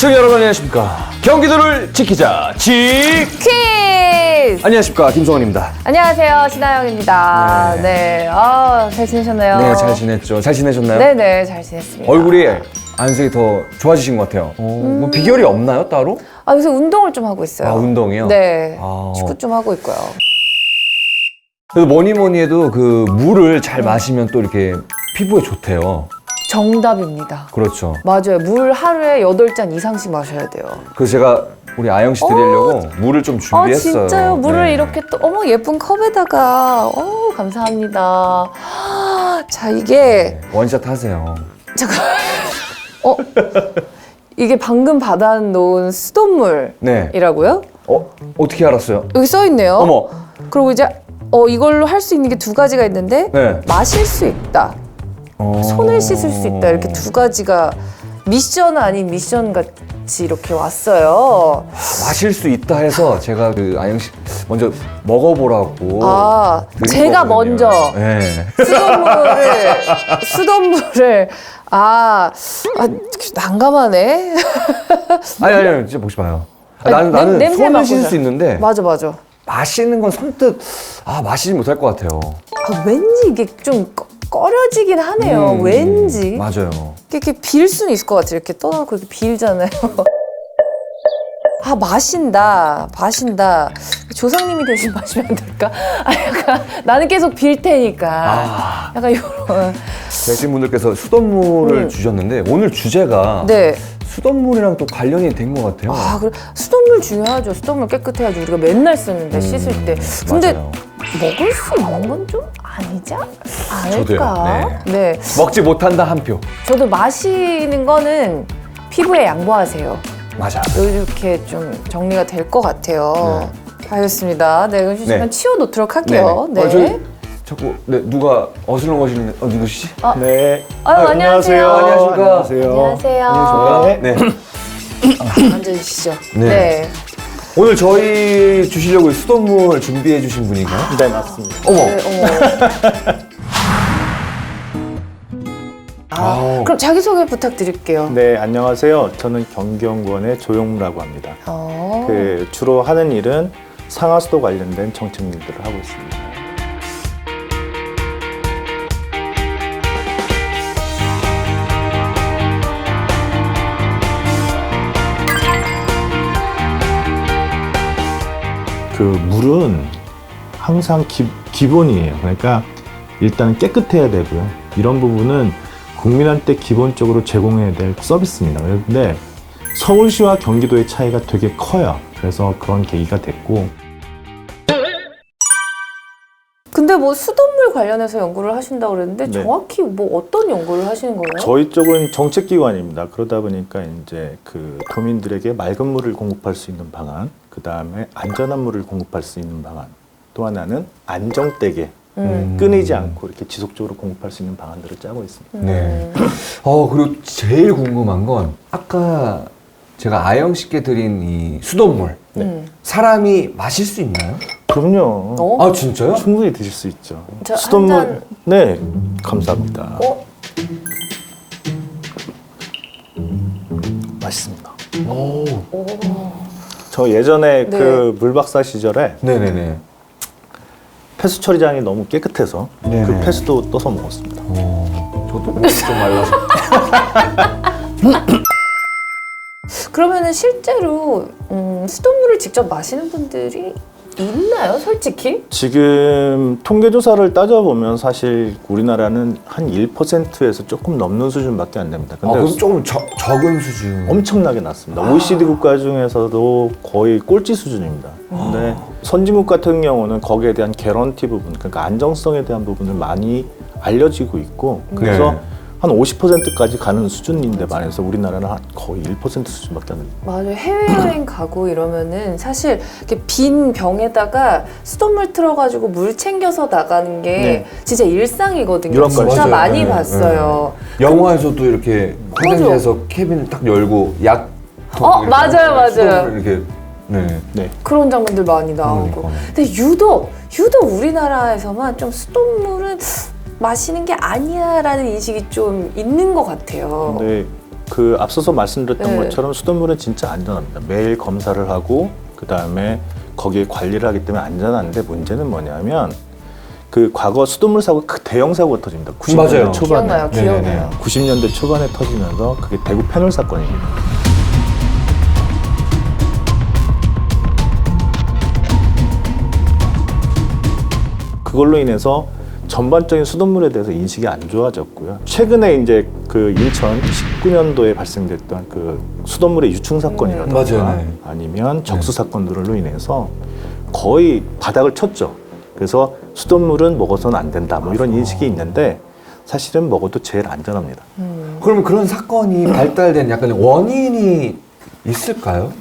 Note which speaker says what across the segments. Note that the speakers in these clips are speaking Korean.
Speaker 1: 시청자 여러분 안녕하십니까. 경기도를 지키자 퀴즈. 안녕하십니까, 김성원입니다.
Speaker 2: 안녕하세요, 신하영입니다. 네. 잘 지내셨나요?
Speaker 1: 네, 잘 지냈죠. 잘 지내셨나요?
Speaker 2: 네네, 잘 지냈습니다.
Speaker 1: 얼굴이 안색이 더 좋아지신 것 같아요. 뭐 비결이 없나요, 따로?
Speaker 2: 요새 운동을 좀 하고 있어요.
Speaker 1: 운동이요?
Speaker 2: 네.
Speaker 1: 아.
Speaker 2: 축구 좀 하고 있고요.
Speaker 1: 그래도 뭐니 해도 그 물을 잘 마시면 또 이렇게 피부에 좋대요.
Speaker 2: 정답입니다.
Speaker 1: 그렇죠.
Speaker 2: 맞아요. 물 하루에 8잔 이상씩 마셔야 돼요.
Speaker 1: 그래서 제가 우리 아영 씨 드리려고 물을 좀 준비했어요.
Speaker 2: 진짜요? 물을
Speaker 1: 네.
Speaker 2: 이렇게 또, 예쁜 컵에다가. 감사합니다. 자, 이게.
Speaker 1: 원샷 하세요.
Speaker 2: 잠깐. 이게 방금 받아놓은 수돗물이라고요?
Speaker 1: 네. 어떻게 알았어요?
Speaker 2: 여기 써있네요.
Speaker 1: 어머.
Speaker 2: 그리고 이제 이걸로 할 수 있는 게 2가지가 있는데
Speaker 1: 네.
Speaker 2: 마실 수 있다, 손을 씻을 수 있다, 이렇게 2가지가 미션 아닌 미션 같이 이렇게 왔어요.
Speaker 1: 마실 수 있다 해서 제가 그 아영 씨 먼저 먹어보라고. 드린
Speaker 2: 제가
Speaker 1: 거거든요.
Speaker 2: 먼저
Speaker 1: 네.
Speaker 2: 수돗물을 난감하네.
Speaker 1: 아니 진짜 보시 봐요. 나는
Speaker 2: 냄새
Speaker 1: 손을
Speaker 2: 맡고
Speaker 1: 씻을
Speaker 2: 자.
Speaker 1: 수 있는데
Speaker 2: 맞아.
Speaker 1: 마시는 건 선뜻 마시지 못할 것 같아요.
Speaker 2: 왠지 이게 좀 꺼려지긴 하네요. 왠지.
Speaker 1: 맞아요.
Speaker 2: 이렇게 빌 수는 있을 것 같아요. 이렇게 떠놓고 이렇게 빌잖아요. 마신다. 조상님이 대신 마시면 안 될까? 약간 나는 계속 빌 테니까. 약간 이런.
Speaker 1: 대신 분들께서 수돗물을 주셨는데 오늘 주제가
Speaker 2: 네.
Speaker 1: 수돗물이랑 또 관련이 된 것 같아요.
Speaker 2: 그래. 수돗물 중요하죠. 수돗물 깨끗해야지 우리가 맨날 쓰는데 씻을 때. 근데
Speaker 1: 맞아요.
Speaker 2: 먹을 수 있는 건 좀 아니지 않을까?
Speaker 1: 저도요.
Speaker 2: 네.
Speaker 1: 먹지 못한다 한 표.
Speaker 2: 저도 마시는 거는 피부에 양보하세요.
Speaker 1: 맞아.
Speaker 2: 이렇게 좀 정리가 될 것 같아요. 알겠습니다. 네, 그럼 잠깐 치워놓도록 할게요.
Speaker 1: 네. 자꾸 누가 어슬렁거리는 누구시지?
Speaker 3: 네.
Speaker 2: 안녕하세요.
Speaker 1: 안녕하십니까.
Speaker 2: 안녕하세요.
Speaker 1: 네.
Speaker 2: 앉아주시죠.
Speaker 1: 네. 오늘 저희 주시려고 수돗물 준비해 주신 분인가요?
Speaker 3: 네, 맞습니다.
Speaker 1: 어머.
Speaker 2: 그럼 자기소개 부탁드릴게요.
Speaker 3: 네, 안녕하세요. 저는 경기연구원의 조용무라고 합니다. 주로 하는 일은 상하수도 관련된 정책 일들을 하고 있습니다. 그 물은 항상 기본이에요. 그러니까 일단은 깨끗해야 되고요. 이런 부분은 국민한테 기본적으로 제공해야 될 서비스입니다. 그런데 서울시와 경기도의 차이가 되게 커요. 그래서 그런 계기가 됐고.
Speaker 2: 근데 뭐 수돗물 관련해서 연구를 하신다고 그랬는데
Speaker 3: 네.
Speaker 2: 정확히 뭐 어떤 연구를 하시는 거예요?
Speaker 3: 저희 쪽은 정책기관입니다. 그러다 보니까 이제 그 도민들에게 맑은 물을 공급할 수 있는 방안, 그 다음에 안전한 물을 공급할 수 있는 방안, 또 하나는 안정되게 끊이지 않고 이렇게 지속적으로 공급할 수 있는 방안들을 짜고 있습니다.
Speaker 1: 네. 그리고 제일 궁금한 건 아까 제가 아영 씨께 드린 이 수돗물. 사람이 마실 수 있나요?
Speaker 3: 그럼요.
Speaker 1: 진짜요?
Speaker 3: 충분히 드실 수 있죠.
Speaker 2: 저
Speaker 3: 수돗물.
Speaker 2: 한 잔.
Speaker 3: 네, 감사합니다. 맛있습니다. 저 예전에
Speaker 2: 네.
Speaker 3: 그 물박사 시절에
Speaker 1: 네네네.
Speaker 3: 폐수 처리장이 너무 깨끗해서
Speaker 1: 네네.
Speaker 3: 그 폐수도 떠서 먹었습니다.
Speaker 1: 저도 좀 말라서.
Speaker 2: 그러면은 실제로 수돗물을 직접 마시는 분들이 있나요, 솔직히?
Speaker 3: 지금 통계조사를 따져보면 사실 우리나라는 한 1%에서 조금 넘는 수준밖에 안 됩니다. 근데
Speaker 1: 그럼 조금 적은 수준.
Speaker 3: 엄청나게 낮습니다. OECD 국가 중에서도 거의 꼴찌 수준입니다. 근데 선진국 같은 경우는 거기에 대한 개런티 부분, 그러니까 안정성에 대한 부분을 많이 알려지고 있고, 그래서 한 50%까지 가는 수준인데 반해서 우리나라는 한 거의 1% 수준밖에 안 됩니다.
Speaker 2: 맞아요. 해외여행 가고 이러면은 사실 이렇게 빈 병에다가 수돗물 틀어가지고 물 챙겨서 나가는 게
Speaker 3: 네.
Speaker 2: 진짜 일상이거든요.
Speaker 3: 유럽
Speaker 2: 진짜
Speaker 1: 맞아요.
Speaker 2: 많이
Speaker 1: 네,
Speaker 2: 봤어요.
Speaker 1: 영화에서도 이렇게 화장실에서 캐빈을 딱 열고 약.
Speaker 2: 맞아요.
Speaker 1: 이렇게. 네.
Speaker 3: 네.
Speaker 2: 그런 장면들 많이 나오고.
Speaker 1: 그러니까요.
Speaker 2: 근데 유독 우리나라에서만 좀 수돗물은 마시는 게 아니야라는 인식이 좀 있는 것 같아요.
Speaker 3: 근데 그 앞서서 말씀드렸던
Speaker 2: 네.
Speaker 3: 것처럼 수돗물은 진짜 안전합니다. 매일 검사를 하고 그 다음에 거기에 관리를 하기 때문에 안전한데 문제는 뭐냐면 그 과거 수돗물 사고 그 대형 사고가 터집니다. 90년대
Speaker 1: 맞아요.
Speaker 3: 초반에.
Speaker 2: 기억나요, 기억나요.
Speaker 3: 90년대 초반에 터지면서 그게 대구 패널 사건입니다. 그걸로 인해서 전반적인 수돗물에 대해서 인식이 안 좋아졌고요. 최근에 이제 그 2019년도에 발생됐던 그 수돗물의 유충 사건이라든가
Speaker 1: 맞아요. 네.
Speaker 3: 아니면 적수 사건들로 인해서 거의 바닥을 쳤죠. 그래서 수돗물은 먹어서는 안 된다. 뭐 이런 인식이 있는데 사실은 먹어도 제일 안전합니다.
Speaker 1: 그러면 그런 사건이 발달된 약간 원인이 있을까요?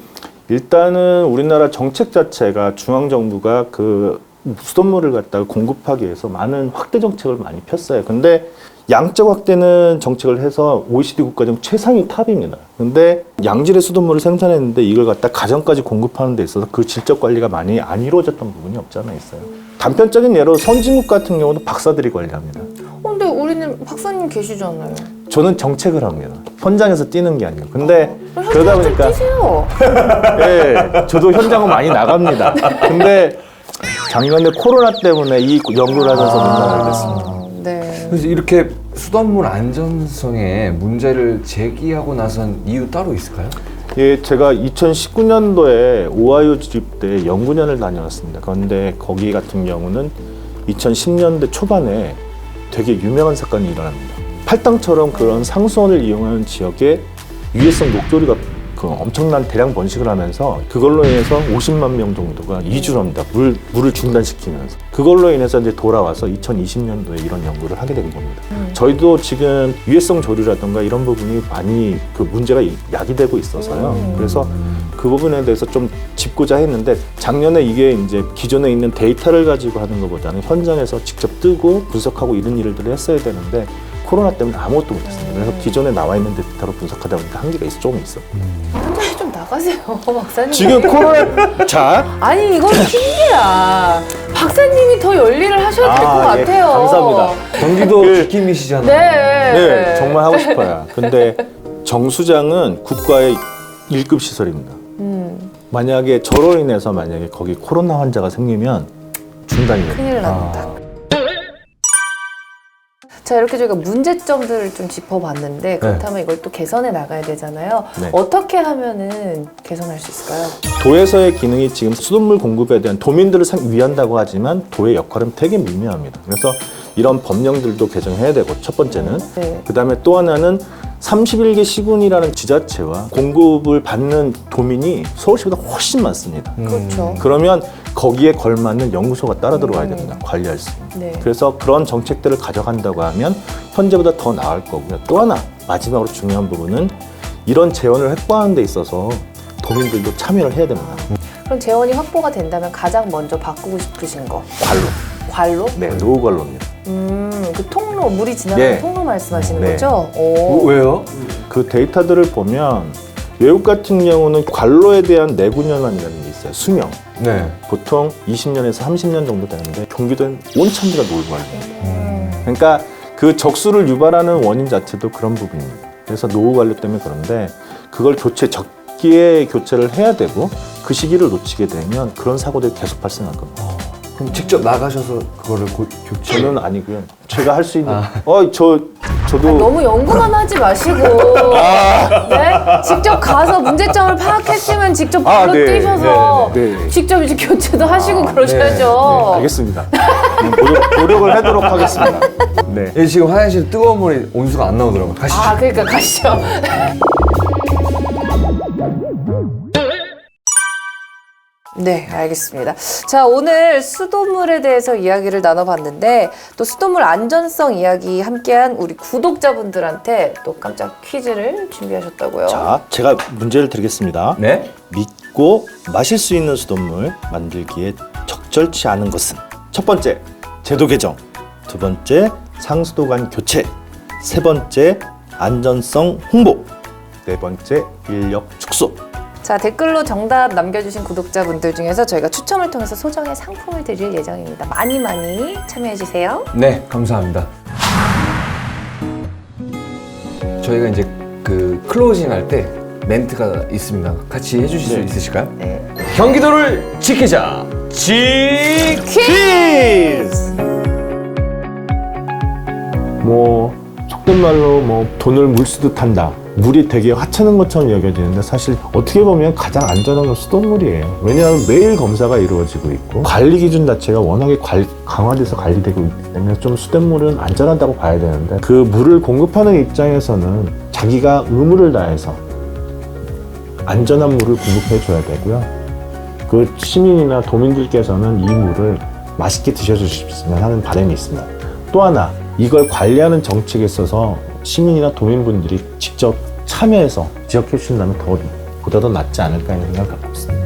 Speaker 3: 일단은 우리나라 정책 자체가 중앙정부가 그 수돗물을 갖다가 공급하기 위해서 많은 확대 정책을 많이 폈어요. 근데 양적 확대는 정책을 해서 OECD 국가 중 최상위 탑입니다. 근데 양질의 수돗물을 생산했는데 이걸 갖다 가정까지 공급하는 데 있어서 그 질적 관리가 많이 안 이루어졌던 부분이 없지 않아 있어요. 단편적인 예로 선진국 같은 경우는 박사들이 관리합니다.
Speaker 2: 근데 우리는 박사님 계시잖아요.
Speaker 3: 저는 정책을 합니다. 현장에서 뛰는 게 아니고. 근데 그러다
Speaker 2: 좀
Speaker 3: 보니까
Speaker 2: 뛰세요.
Speaker 3: 예, 저도 현장은 많이 나갑니다. 근데 작년에 코로나 때문에 이 연구를 하면서 문제가 됐습니다.
Speaker 2: 네.
Speaker 1: 그래서 이렇게 수돗물 안전성에 문제를 제기하고 나선 이유 따로 있을까요?
Speaker 3: 예, 제가 2019년도에 오하이오 주립대 연구년을 다녀왔습니다. 그런데 거기 같은 경우는 2010년대 초반에 되게 유명한 사건이 일어납니다. 팔당처럼 그런 상수원을 이용하는 지역에 유해성 녹조류가 그 엄청난 대량 번식을 하면서 그걸로 인해서 50만 명 정도가 이주를 합니다. 물을 중단시키면서. 그걸로 인해서 이제 돌아와서 2020년도에 이런 연구를 하게 된 겁니다. 저희도 지금 유해성 조류라든가 이런 부분이 많이 그 문제가 야기되고 있어서요. 그래서 그 부분에 대해서 좀 짚고자 했는데 작년에 이게 이제 기존에 있는 데이터를 가지고 하는 것보다는 현장에서 직접 뜨고 분석하고 이런 일들을 했어야 되는데 코로나 때문에 아무것도 못했습니다. 그래서 기존에 나와 있는 데이터로 분석하다 보니까 한계가 조금 있어.
Speaker 2: 현장에 좀 나가세요, 박사님.
Speaker 3: 지금 코로나 자
Speaker 2: 아니 이건 핑계야. 박사님이 더 열일을 하셔야 될 것
Speaker 3: 예,
Speaker 2: 같아요.
Speaker 3: 감사합니다.
Speaker 1: 경기도
Speaker 3: 그-
Speaker 1: 지킴이시잖아요.
Speaker 2: 네.
Speaker 3: 네, 정말 하고 싶어요. 근데 정수장은 국가의 1급 시설입니다. 만약에 저로 인해서 만약에 거기 코로나 환자가 생기면 중단이 됩니다.
Speaker 2: 큰일 납니다. 자, 이렇게 저희가 문제점들을 좀 짚어봤는데 그렇다면 이걸 또 개선해 나가야 되잖아요.
Speaker 3: 네.
Speaker 2: 어떻게 하면은 개선할 수 있을까요?
Speaker 3: 도에서의 기능이 지금 수돗물 공급에 대한 도민들을 위한다고 하지만 도의 역할은 되게 미미합니다. 그래서 이런 법령들도 개정해야 되고 첫 번째는
Speaker 2: 네.
Speaker 3: 그다음에 또 하나는 31개 시군이라는 지자체와 공급을 받는 도민이 서울시보다 훨씬 많습니다.
Speaker 2: 그렇죠.
Speaker 3: 그러면 거기에 걸맞는 연구소가 따라 들어와야 됩니다. 관리할 수 있는.
Speaker 2: 네.
Speaker 3: 그래서 그런 정책들을 가져간다고 하면 현재보다 더 나을 거고요. 또 하나 마지막으로 중요한 부분은 이런 재원을 확보하는 데 있어서 도민들도 참여를 해야 됩니다.
Speaker 2: 그럼 재원이 확보가 된다면 가장 먼저 바꾸고 싶으신 거
Speaker 3: 관로.
Speaker 2: 관로?
Speaker 3: 네, 노후 관로입니다.
Speaker 2: 그 통로 물이 지나가는
Speaker 3: 네.
Speaker 2: 통로 말씀하시는
Speaker 3: 네.
Speaker 2: 거죠? 오.
Speaker 1: 왜요?
Speaker 3: 그 데이터들을 보면 외국 같은 경우는 관로에 대한 내구년환이라는 게 있어요. 수명.
Speaker 1: 네.
Speaker 3: 보통 20년에서 30년 정도 되는데 경기도는 온천지가 노후 관로. 그러니까 그 적수를 유발하는 원인 자체도 그런 부분입니다. 그래서 노후 관리 때문에 그런데 그걸 적기에 교체를 해야 되고 그 시기를 놓치게 되면 그런 사고들이 계속 발생할 겁니다.
Speaker 1: 그럼 직접 나가셔서 그거를 교체.
Speaker 3: 저는 아니고요. 제가 할 수 있는.
Speaker 1: 아.
Speaker 3: 저도
Speaker 2: 너무 연구만 하지 마시고 네? 직접 가서 문제점을 파악했으면 직접 바로
Speaker 3: 네,
Speaker 2: 뛰셔서
Speaker 3: 네, 네.
Speaker 2: 직접 이제 교체도 하시고 그러셔야죠.
Speaker 3: 알겠습니다. 노력을 하도록 하겠습니다. 네.
Speaker 1: 예, 지금 화장실 뜨거운 물이 온수가 안 나오더라고요. 가시죠.
Speaker 2: 아, 그러니까 가시죠. 네, 알겠습니다. 자, 오늘 수돗물에 대해서 이야기를 나눠봤는데 또 수돗물 안전성 이야기 함께한 우리 구독자분들한테 또 깜짝 퀴즈를 준비하셨다고요.
Speaker 3: 자, 제가 문제를 드리겠습니다.
Speaker 1: 네.
Speaker 3: 믿고 마실 수 있는 수돗물 만들기에 적절치 않은 것은 첫 번째, 제도 개정. 두 번째, 상수도관 교체. 세 번째, 안전성 홍보. 네 번째, 인력 축소.
Speaker 2: 자, 댓글로 정답 남겨주신 구독자분들 중에서 저희가 추첨을 통해서 소정의 상품을 드릴 예정입니다. 많이 많이 참여해주세요.
Speaker 1: 네, 감사합니다. 저희가 이제 그 그 클로징 할 때 멘트가 있습니다. 같이 해주실 수
Speaker 3: 네.
Speaker 1: 있으실까요?
Speaker 2: 네.
Speaker 1: 경기도를 지키자.
Speaker 3: 퀴즈! 뭐 속된 말로 뭐 돈을 물쓰듯 한다. 물이 되게 하찮은 것처럼 여겨지는데 사실 어떻게 보면 가장 안전한 건 수돗물이에요. 왜냐하면 매일 검사가 이루어지고 있고 관리 기준 자체가 워낙에 강화돼서 관리되고 있기 때문에 좀 수돗물은 안전하다고 봐야 되는데 그 물을 공급하는 입장에서는 자기가 의무를 다해서 안전한 물을 공급해 줘야 되고요. 그 시민이나 도민들께서는 이 물을 맛있게 드셔주셨으면 하는 바람이 있습니다. 또 하나, 이걸 관리하는 정책에 있어서 시민이나 도민분들이 직접 참여해서 지적해 주신다면 보다 더 낫지 않을까 하는 생각을 갖고 있습니다.